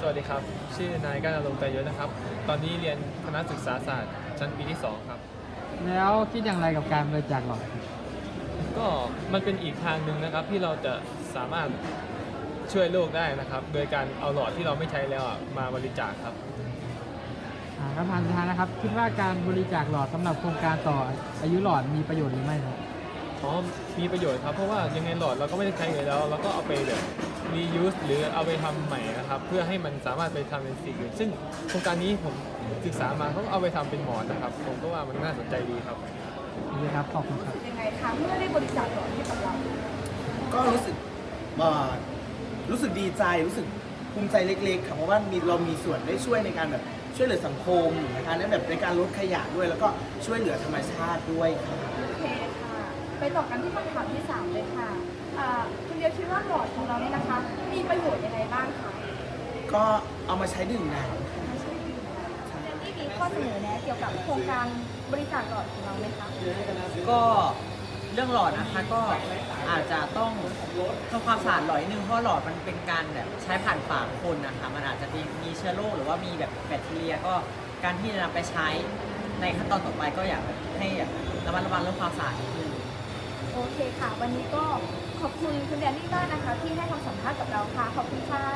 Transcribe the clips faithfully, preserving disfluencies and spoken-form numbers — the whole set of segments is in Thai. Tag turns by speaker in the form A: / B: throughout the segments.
A: วัสดีครับชื่อนายก้านอารมณ์ใจยศนะครับตอนนี้เรียนคณะศึกษาศาสตร์ชั้นปีที่สองครับ
B: แล้วคิดอย่างไรกับการบริจาคหลอด
A: ก็มันเป็นอีกทางหนึ่งนะครับที่เราจะสามารถช่วยโลกได้นะครับโดยการเอาหลอดที่เราไม่ใช้แล้วอะมาบริจาคครับ
B: อ่าคำถามสุดท้ายนะครับคิดว่าการบริจาคหลอดสำหรับโครงการต่ออายุหลอดมีประโยชน์หรือไม่ครับ
A: อ๋อมีประโยชน์ครับเพราะว่ายังไงหลอดเราก็ไม่ได้ใช้เลยแล้วเราก็เอาไปแบบ reuse หรือเอาไปทำใหม่นะครับเพื่อให้มันสามารถไปทำเป็นสิ่งอื่นซึ่งโครงการนี้ผมศึกษามาเขาก็เอาไปทำเป็นหมอนนะครับผมก็ว่ามันน่าสนใจดีครับ
B: ดีครับขอบคุณครับ
C: ยังไงคะเมื่อได้บริจาคหลอดให้กับเรา
D: ก็รู้สึกเอ่อรู้สึกดีใจรู้สึกภูมิใจเล็กๆค่ะเพราะว่ามีเรามีส่วนได้ช่วยในการแบบช่วยเหลือสังคมนะคะในแบบในการลดขยะด้วยแล้วก็ช่วยเหลือธรรมชาติด้วยค่ะ
C: โอเคค่ะไปต่อกันที่คำถามที่สามเลยค่ะอ่าคุณเดียวคิดว่าหลอดของเราเนี่ยนะคะมีประโยชน์ยังไงบ้างคะ
D: ก็เอามาใช้ดื่มน้ำ
C: เจนนี่มีข้อเสนอแนะเกี่ยวกับโครงการบริจาคหลอดของเราไหมคะ
E: ก็เรื่องหลอดนะคะก็อาจจะต้องทำความสะอาดหลอดนิดนึงเพราะหลอดมันเป็นการแบบใช้ผ่านปากคนนะคะมันอาจจะมีมีเชื้อโรคหรือว่ามีแบบแบคทีเรียก็การที่จะนำไปใช้ในขั้นตอนต่อไปก็อยากให้ระมัดระวังเรื่องความสะอาดนิดนึง
C: โอเคค่ะวันนี้ก็ขอบคุณคุณแดนนี่มากนะคะที่ให้คำสัมภาษณ์กับเราค่ะขอบคุณค่ะ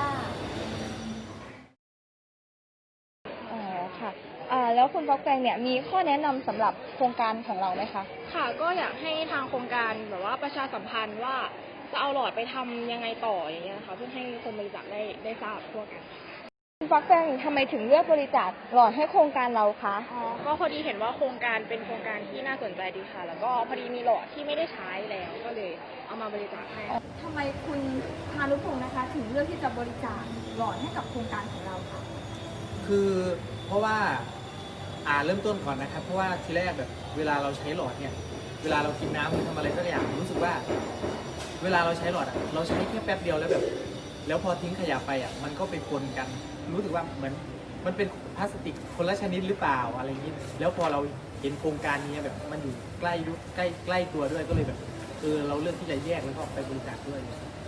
C: อ๋อค่ะอ่าแล้วคุณฟอกแฟงเนี่ยมีข้อแนะนำสำหรับโครงการของเราไหมคะ
F: ค่ะก็อยากให้ทางโครงการแบบว่าประชาสัมพันธ์ว่าจะเอาหลอดไปทำยังไงต่ออย่างเงี้ยนะคะเพื่อให้คนบริจาคได้ได้ทราบทั่วกัน
C: คุณฟอกแฟงทำไมถึงเลือกบริจาคหลอดให้โครงการเราคะ
F: อ๋อก็พอดีเห็นว่าโครงการเป็นโครงการที่น่าสนใจดีค่ะแล้วก็พอดีมีหลอดที่ไม่ได้ใช้แล้วก็เลยเอามาบริจาคให้
C: ทำไมคุณพานุพงศ์นะคะถึงเลือกที่จะบริจาคหลอดให้กับโครงการของเราคะ
E: คือเพราะว่าอ่าเริ่มต้นก่อนนะครับเพราะว่าทีแรกแบบเวลาเราใช้หลอดเนี่ยเวลาเรากินน้ำหรือทำอะไรสักอย่างรู้สึกว่าเวลาเราใช้หลอดอ่ะเราใช้แค่แป๊บเดียวแล้วแบบแล้วพอทิ้งขยะไปอ่ะมันก็ไปปนกันรู้สึกว่าเหมือนมันเป็นพลาสติกคนละชนิดหรือเปล่าอะไรอย่างนี้แล้วพอเราเห็นโครงการนี้แบบมันอยู่ใกล้ใกล้ใกล้ตัวด้วยก็เลยแบบเออเราเลือกที่จะแยกแล้วก็ไปบริจาคด้วย